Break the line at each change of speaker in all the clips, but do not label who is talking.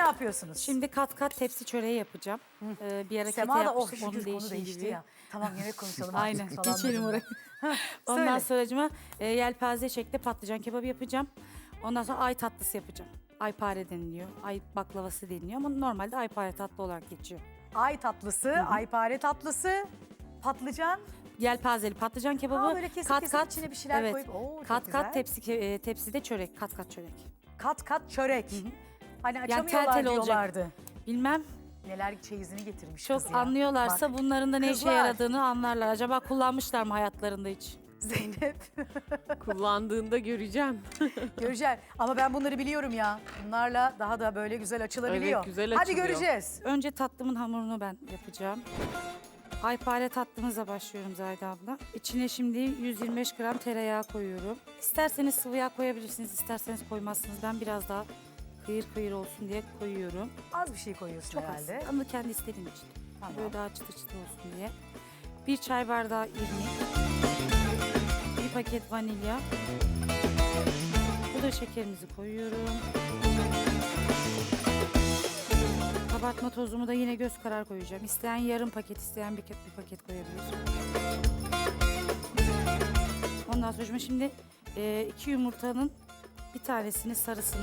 yapıyorsunuz?
Şimdi kat kat tepsi çöreği yapacağım. Bir ara kete
Sema da
yapmıştım,
şükür
onun
konu
değişiği
değişti
gibi.
ya. Tamam yemek konuşalım.
Aynen,
artık falan
geçelim
dedim
oraya.
ben.
Ondan
Söyle.
sonracıma yelpaze şeklinde patlıcan kebabı yapacağım. Ondan sonra ay tatlısı yapacağım. Aypare deniliyor, ay baklavası deniliyor ama normalde aypare tatlı olarak geçiyor.
Ay tatlısı, aypare tatlısı, patlıcan.
Yelpazeli patlıcan kebabı
Aa, böyle kesip kesip içine bir şeyler koyup, oo, çok
kat
güzel.
kat tepside çörek, kat kat çörek.
Kat kat çörek. Hani
tel
açamıyorlar
tel olacak.
diyorlardı.
Bilmem,
Neler çeyizini getirmiş
çok
kız ya.
anlıyorlarsa
Bak,
bunların da ne işe
kızlar.
yaradığını anlarlar. Acaba kullanmışlar mı hayatlarında hiç?
Zeynep.
Kullandığında göreceğim.
Göreceğiz. Ama ben bunları biliyorum ya. Bunlarla daha da böyle güzel açılabiliyor.
Evet, güzel
Hadi
açılıyor.
göreceğiz.
Önce tatlımın hamurunu ben yapacağım. Aypare tatlımıza başlıyorum Zahide abla. İçine şimdi 125 gram tereyağı koyuyorum. İsterseniz sıvı yağ koyabilirsiniz, isterseniz koymazsınız. Ben biraz daha kıyır kıyır olsun diye koyuyorum.
Az bir şey koyuyorsun
Çok
herhalde.
az. Ama kendi istediğim için.
Tamam.
Böyle daha çıtır çıtır olsun diye. Bir çay bardağı irmik. Bir paket vanilya. Bu da şekerimizi koyuyorum. Kabartma tozumu da yine göz karar koyacağım. İsteyen yarım paket, isteyen bir paket koyabilir. Ondan sonra şimdi 2 yumurtanın bir tanesini sarısını,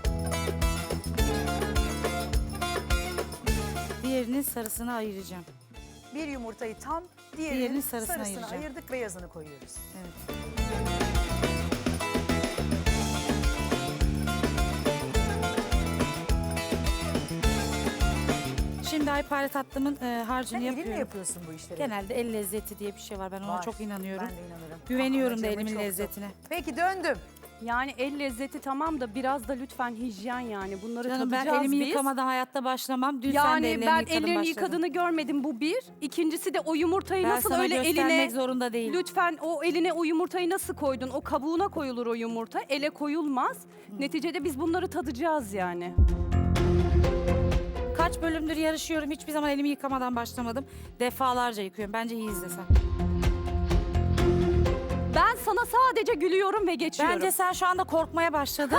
diğerinin sarısını ayıracağım.
Bir yumurtayı tam,
Diğerinin
diğerinin
sarısını
sarısını
ayıracağım.
ayırdık, beyazını koyuyoruz.
Evet. Şimdi aypare tatlımın harcını
Sen elinle
yapıyorum.
yapıyorsun bu işleri.
Genelde el lezzeti diye bir şey var. Ben ona
Var.
çok inanıyorum.
Ben de inanırım.
Güveniyorum
Ama
da
canım
elimin
çok çok.
lezzetine.
Peki döndüm.
Yani el lezzeti tamam da biraz da lütfen hijyen yani. Bunları
Canım ben
tadacağız
elimi
biz.
yıkamadan hayatta başlamam. Dün sen de
Yani
ellerini
ben
yıkadın
ellerini
başladın.
yıkadığını görmedim, bu bir. İkincisi de o yumurtayı
Ben
nasıl
sana
öyle
göstermek
eline...
zorunda değilim.
Lütfen o eline o yumurtayı nasıl koydun? O kabuğuna koyulur o yumurta. Ele koyulmaz. Neticede biz bunları tadacağız yani.
Kaç bölümdür yarışıyorum. Hiçbir zaman elimi yıkamadan başlamadım. Defalarca yıkıyorum. Bence iyi izlesen.
Ben sana sadece gülüyorum ve geçiyorum.
Bence sen şu anda korkmaya başladın.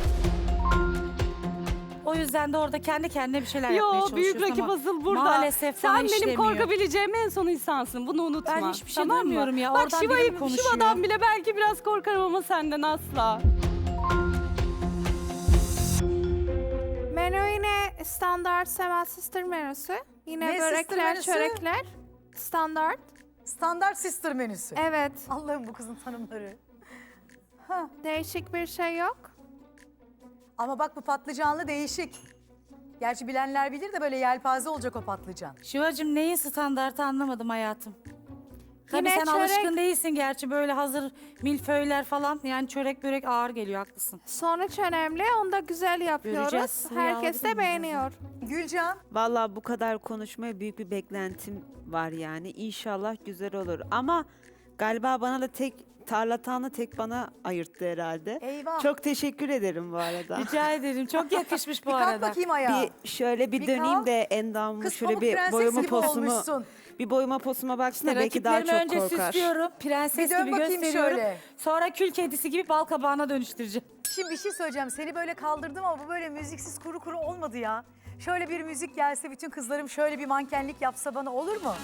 O yüzden de orada kendi kendine bir şeyler yapmaya
Yo,
çalışıyorsun
büyük rakip
ama
asıl burada.
maalesef bana
Sen benim
işlemiyor.
korkabileceğim en son insansın. Bunu unutma.
Ben hiçbir şey
tamam mı?
duymuyorum ya.
Bak
Oradan biri mi konuşuyor?
Şiva'dan bile belki biraz korkarım ama senden asla.
Menü yine standart Seven Sister menüsü. Yine
Ne sister
börekler,
menüsü?
çörekler. Standart.
Standart sister menüsü.
Evet.
Allah'ım bu kızın tanımları.
Değişik bir şey yok.
Ama bak bu patlıcanlı değişik. Gerçi bilenler bilir de böyle yelpaze olacak o patlıcan.
Şivacığım neyin standartı anlamadım hayatım. Tabii
Yine
sen
çörek-
alışkın değilsin gerçi böyle hazır milföyler falan. Yani çörek börek ağır geliyor, haklısın.
Sonuç önemli. Onu da güzel yapıyoruz.
Göreceğiz. Sıvı
Herkes
yağlı
de beğeniyor.
Gülcan,
Vallahi bu kadar konuşmaya büyük bir beklentim var yani. İnşallah güzel olur. Ama galiba bana da tarlatanı tek bana ayırttı herhalde.
eyvah.
Çok teşekkür ederim bu arada.
Rica ederim. Çok yakışmış bu
bir kalk
arada.
bakayım ayağa.
Şöyle bir
Bir
döneyim
kalk.
de endamımı
Kız
şöyle
pamuk
bir
prenses
boyama
gibi
posumu
olmuşsun.
bir boyama posuma baksana
İşte
belki daha çok
rakiplerimi önce
korkar.
süslüyorum. Prenses
Bir dön
gibi
bakayım
gösteriyorum.
şöyle.
Sonra kül kedisi gibi bal kabağına dönüştüreceğim.
Şimdi bir şey söyleyeceğim. Seni böyle kaldırdım ama bu böyle müziksiz kuru kuru olmadı ya. Şöyle bir müzik gelse, bütün kızlarım şöyle bir mankenlik yapsa bana olur mu?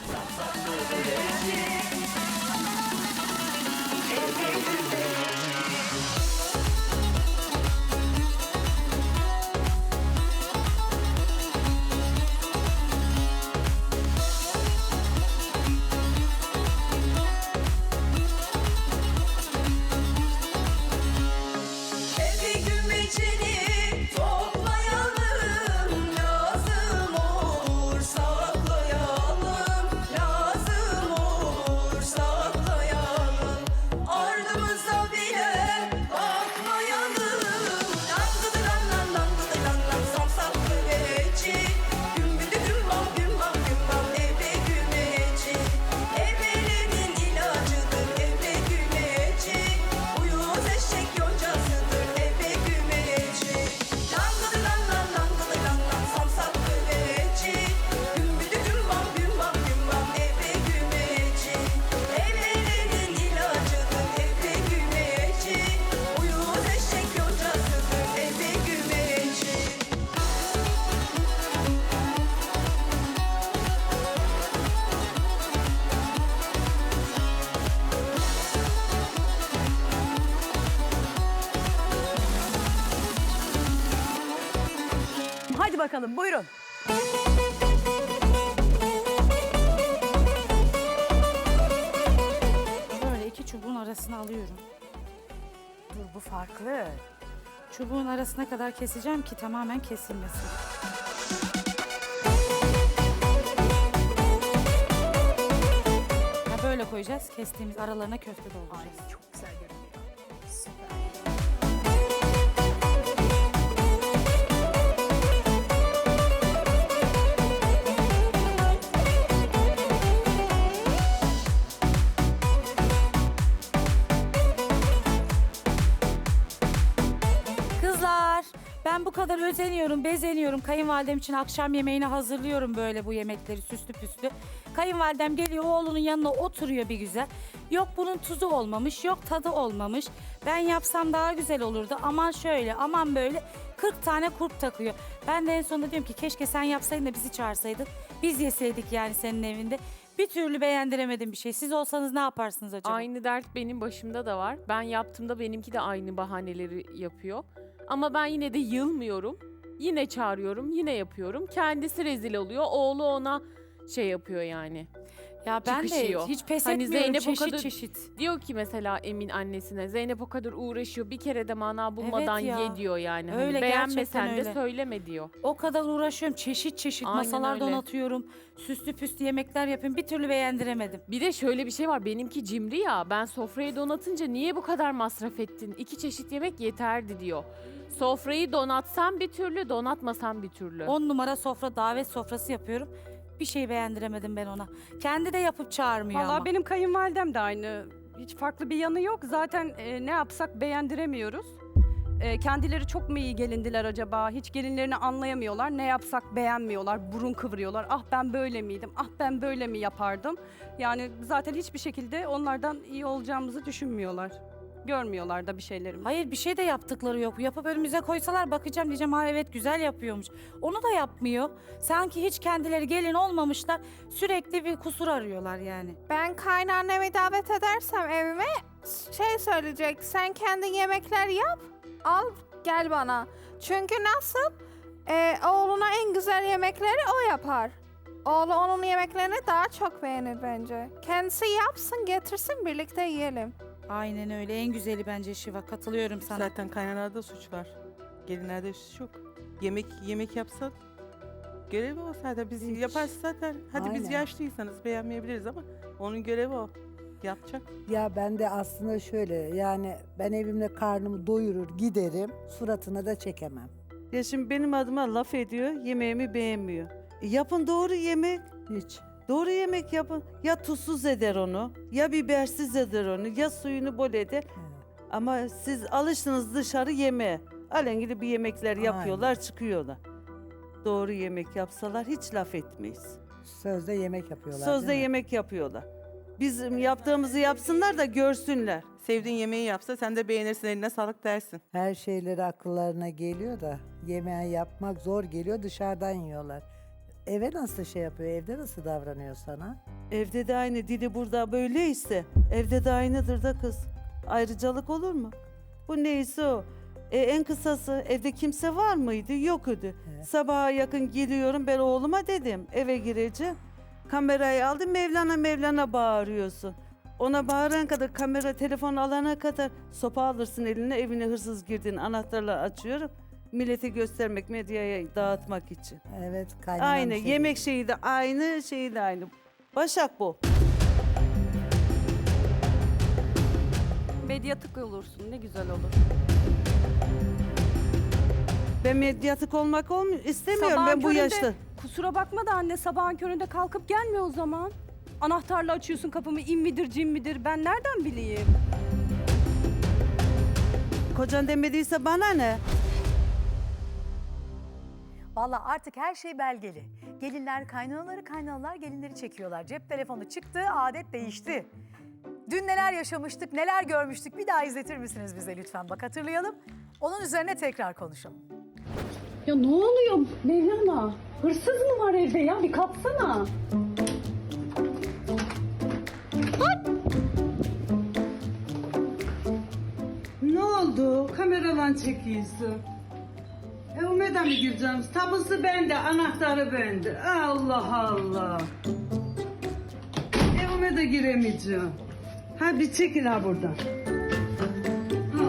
Evi gümecini toplayalım, lazım olur saklayalım, lazım olur saklayalım. Ardımız
Hadi bakalım buyurun.
Böyle iki çubuğun arasına alıyorum.
Dur bu farklı.
Çubuğun arasına kadar keseceğim ki tamamen kesilmesin. Ha, böyle koyacağız. Kestiğimiz aralarına köfte dolduracağız.
Ay çok güzel görünüyor. Süper.
Kızlar, ben bu kadar özeniyorum, bezeniyorum. Kayınvalidem için akşam yemeğini hazırlıyorum böyle bu yemekleri süslü püslü. Kayınvalidem geliyor oğlunun yanına oturuyor bir güzel. Yok bunun tuzu olmamış, yok tadı olmamış. Ben yapsam daha güzel olurdu. Aman şöyle, aman böyle 40 tane kulp takıyor. Ben de en sonunda diyorum ki keşke sen yapsaydın da bizi çağırsaydın. Biz yeseydik yani senin evinde. Bir türlü beğendiremedim bir şey. Siz olsanız ne yaparsınız acaba?
Aynı dert benim başımda da var. Ben yaptığımda benimki de aynı bahaneleri yapıyor. Ama ben yine de yılmıyorum. Yine çağırıyorum, yine yapıyorum. Kendisi rezil oluyor. Oğlu ona şey yapıyor yani.
Ya ben
çıkışıyor.
de hiç pes
Hani
etmiyorum
Zeynep o
çeşit
kadar-
çeşit.
Diyor ki mesela Emin annesine, Zeynep o kadar uğraşıyor. Bir kere de mana bulmadan
ya.
ye diyor yani.
Öyle,
Hani beğenmesen
gerçekten
de
öyle.
söyleme diyor.
O kadar uğraşıyorum çeşit çeşit
Aynen
masalar
öyle.
donatıyorum. Süslü püslü yemekler yapıyorum. Bir türlü beğendiremedim.
Bir de şöyle bir şey var. Benimki cimri ya. Ben sofrayı donatınca niye bu kadar masraf ettin? 2 çeşit yemek yeterdi diyor. Sofrayı donatsam bir türlü, donatmasam bir türlü.
10 numara sofra, davet sofrası yapıyorum. Bir şey beğendiremedim ben ona. Kendi de yapıp çağırmıyor
Vallahi
ama.
benim kayınvalidem de aynı. Hiç farklı bir yanı yok. Zaten ne yapsak beğendiremiyoruz. Kendileri çok mu iyi gelindiler acaba? Hiç gelinlerini anlayamıyorlar. Ne yapsak beğenmiyorlar. Burun kıvırıyorlar. Ah ben böyle miydim? Ah ben böyle mi yapardım? Yani zaten hiçbir şekilde onlardan iyi olacağımızı düşünmüyorlar. Görmüyorlar da bir şeylerimizi.
Hayır bir şey de yaptıkları yok. Yapıp önümüze koysalar bakacağım diyeceğim ha evet güzel yapıyormuş. Onu da yapmıyor. Sanki hiç kendileri gelin olmamışlar. Sürekli bir kusur arıyorlar yani.
Ben kaynannemi davet edersem evime şey söyleyecek. Sen kendi yemekler yap. Al gel bana. Çünkü nasıl? Oğluna en güzel yemekleri o yapar. Oğlu onun yemeklerini daha çok beğenir bence. Kendisi yapsın getirsin birlikte yiyelim.
Aynen öyle en güzeli bence Şiva katılıyorum sana.
Zaten kaynanada suç var. Gelinlerde suç yok. Yemek yapsa görevi o zaten. Biz
Hiç.
yaparsa zaten hadi biz
Aynen.
yaşlıysanız beğenmeyebiliriz ama onun görevi o. Yapacak.
Ya ben de aslında şöyle yani ben evimde karnımı doyurur giderim suratına da çekemem.
Ya şimdi benim adıma laf ediyor, yemeğimi beğenmiyor. Yapın doğru yemek,
Hiç.
doğru yemek yapın. Ya tuzsuz eder onu, ya bibersiz eder onu, ya suyunu bol eder. Ama siz alıştınız dışarı yemeğe. Alengili bir yemekler yapıyorlar, çıkıyorlar. Doğru yemek yapsalar hiç laf etmeyiz.
Sözde yemek yapıyorlar
Sözde
değil mi?
yemek yapıyorlar. Bizim yaptığımızı yapsınlar da görsünler.
Sevdiğin yemeği yapsa sen de beğenirsin, eline sağlık dersin.
Her şeyleri akıllarına geliyor da yemeği yapmak zor geliyor dışarıdan yiyorlar. Eve nasıl şey yapıyor, evde nasıl davranıyor sana?
Evde de aynı, dili burada böyleyse evde de aynıdır da kız. Ayrıcalık olur mu? Bu neyse o. En kısası evde kimse var mıydı? Yok idi.
Evet.
Sabaha yakın geliyorum ben oğluma dedim eve gireceğim. Kamerayı aldım Mevlana bağırıyorsun. Ona bağıran kadar kamera telefon alana kadar sopa alırsın eline evine hırsız girdin anahtarla açıyorum. Millete göstermek medyaya dağıtmak için.
Evet, kaynanam
Aynı
şey
yemek şeyi de aynı şeyi de aynı. Başak bu.
Medyatik olursun ne güzel olur.
Ben medyatik olmak istemiyorum
Sabahın
ben bu
köründe-
yaşta.
Kusura bakma da anne sabahın köründe kalkıp gelme o zaman. Anahtarla açıyorsun kapımı in midir cin midir ben nereden bileyim?
Kocan demediyse bana ne?
Vallahi artık her şey belgeli. Gelinler kaynanaları, kaynanalar gelinleri çekiyorlar. Cep telefonu çıktı, adet değişti. Dün neler yaşamıştık, neler görmüştük bir daha izletir misiniz bize lütfen? Bak hatırlayalım. Onun üzerine tekrar konuşalım.
Ya ne oluyor Mevlana? Hırsız mı var evde ya? Bir kalksana.
Ne oldu? Kameradan çekiyorsun. O eve de mi gireceğim? Tapusu bende, anahtarı bende. Allah Allah. Evime de giremeyeceğim. Ha bir çekil ha buradan. Ha.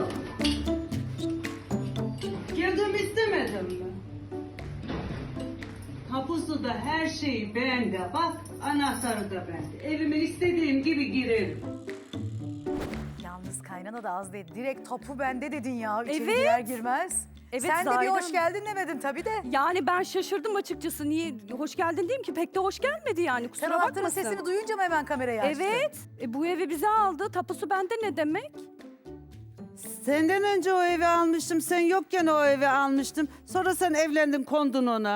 Girdim istemedim mi? Tapusu da her şey bende. Bak anahtarı da bende. Evime istediğim gibi girerim.
Yalnız kaynana da az değil. Direkt topu bende dedin ya. İçeri
Evet.
girer girmez.
Evet,
Sen de bir
Zahide
hoş
Hanım.
geldin demedin tabii de.
Yani ben şaşırdım açıkçası. Niye hoş geldin diyeyim ki pek de hoş gelmedi yani,
Sen
kusura
anahtarın
bakmasın.
sesini duyunca mı hemen kamerayı açtın?
Evet. Bu evi bize aldı. Tapusu bende ne demek?
Senden önce o evi almıştım. Sen yokken o evi almıştım. Sonra sen evlendin, kondun ona.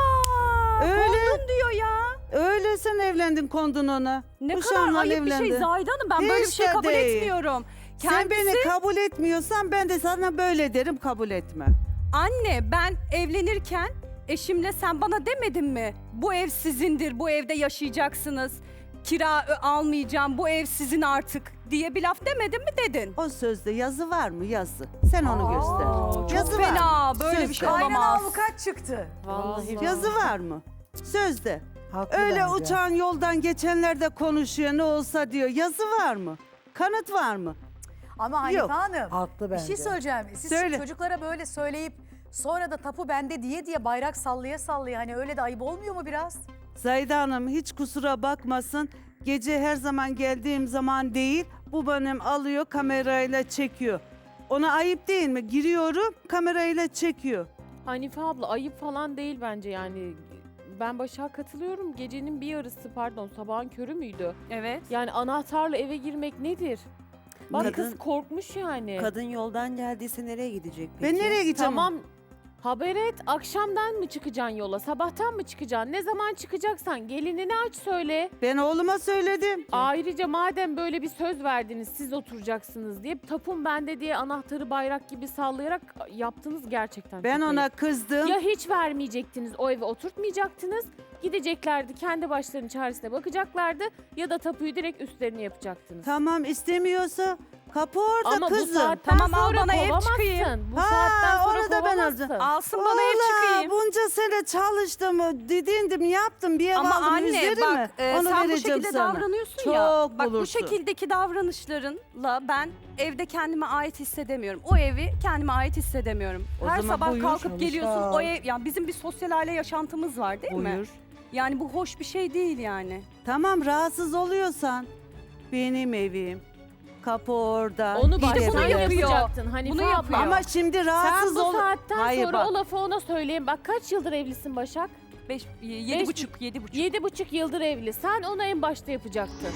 Aa!
Öyle.
Kondun diyor ya.
Öyle sen evlendin, kondun ona.
Ne
Bu
kadar
şanla
ayıp bir şey
evlendin.
Zahide Hanım. Ben böyle bir şey
Hiç de
kabul
değil.
etmiyorum.
Sen beni kabul etmiyorsan ben de sana böyle derim, kabul etme.
Anne, ben evlenirken eşimle sen bana demedin mi? Bu ev sizindir, bu evde yaşayacaksınız. Kira almayacağım, bu ev sizin artık diye bir laf demedin mi dedin?
O sözde yazı var mı? Yazı. Sen onu göster.
Çok
Yazı var
fena,
mı?
böyle bir
Sözde.
şey
Kaynana
olamaz.
avukat çıktı.
Vallahi.
Yazı var mı? Sözde.
Haklı
Öyle
bence.
uçan yoldan geçenler de konuşuyor, ne olsa diyor. Yazı var mı? Kanıt var mı?
Ama Hanife
Yok.
Hanım
Haklı
bir
bence.
şey söyleyeceğim. Siz
Söyle.
çocuklara böyle söyleyip sonra da tapu bende diye bayrak sallaya sallaya hani öyle de ayıp olmuyor mu biraz?
Zahide Hanım hiç kusura bakmasın. Gece her zaman geldiğim zaman değil, bu benim alıyor kamerayla çekiyor. Ona ayıp değil mi? Giriyorum kamerayla çekiyor.
Hanife abla ayıp falan değil bence yani. Ben Başak'a katılıyorum. Gecenin bir yarısı pardon sabahın körü müydü?
Evet.
Yani anahtarla eve girmek nedir? Bak
Kadın-
kız korkmuş yani.
Kadın yoldan geldiyse nereye gidecek peki?
Ben nereye gideceğim?
Tamam. Haber et. Akşamdan mı çıkacaksın yola? Sabahtan mı çıkacaksın? Ne zaman çıkacaksan gelinini aç söyle.
Ben oğluma söyledim.
Ayrıca madem böyle bir söz verdiniz siz oturacaksınız diye tapun bende diye anahtarı bayrak gibi sallayarak yaptınız gerçekten.
Ben
çok
ona
ayıp.
kızdım.
Ya hiç vermeyecektiniz o eve oturtmayacaktınız. Gideceklerdi kendi başlarının çaresine bakacaklardı ya da tapuyu direkt üstlerine yapacaktınız.
Tamam istemiyorsa kapı orada
Ama
kızım.
bu saatten
Tamam, al
sonra
bana ev
kovamazsın.
çıkayım.
Bu
Ha,
saatten sonra
onu da ben
kovamazsın.
alacağım.
Alsın bana ev çıkayım.
Bunca sene çalıştım, didindim, yaptım, bir ev
Ama
aldım,
anne
üzeri
bak
mi?
sen bu
vereceğim
şekilde
sana.
davranıyorsun
Çok
ya. Bak bu
bulursun.
şekildeki davranışlarınla ben evde kendime ait hissedemiyorum. O evi kendime ait hissedemiyorum.
O
Her
zaman
sabah
buyur,
kalkıp
çalış
geliyorsun
al.
o ev, yani bizim bir sosyal aile yaşantımız var değil mi?
Buyur.
Yani bu hoş bir şey değil yani.
Tamam rahatsız oluyorsan benim evim. Kapı orada.
Onu
gidelim.
baştan
bunu yapıyor.
yapacaktın Hanife
Bunu
abla.
yapıyor.
Ama şimdi
Sen
rahatsız
bu
ol.
saatten
Hayır,
sonra
bak.
o lafı ona söyleyin. Bak kaç yıldır evlisin Başak?
7,5.
7,5 yıldır evli. Sen onu en başta yapacaktın.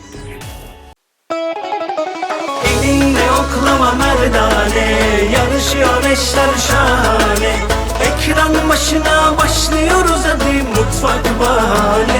Elinle oklama merdane, yarışıyor eşler şahane. Ekran başına başlıyoruz hadi mutfak bahane.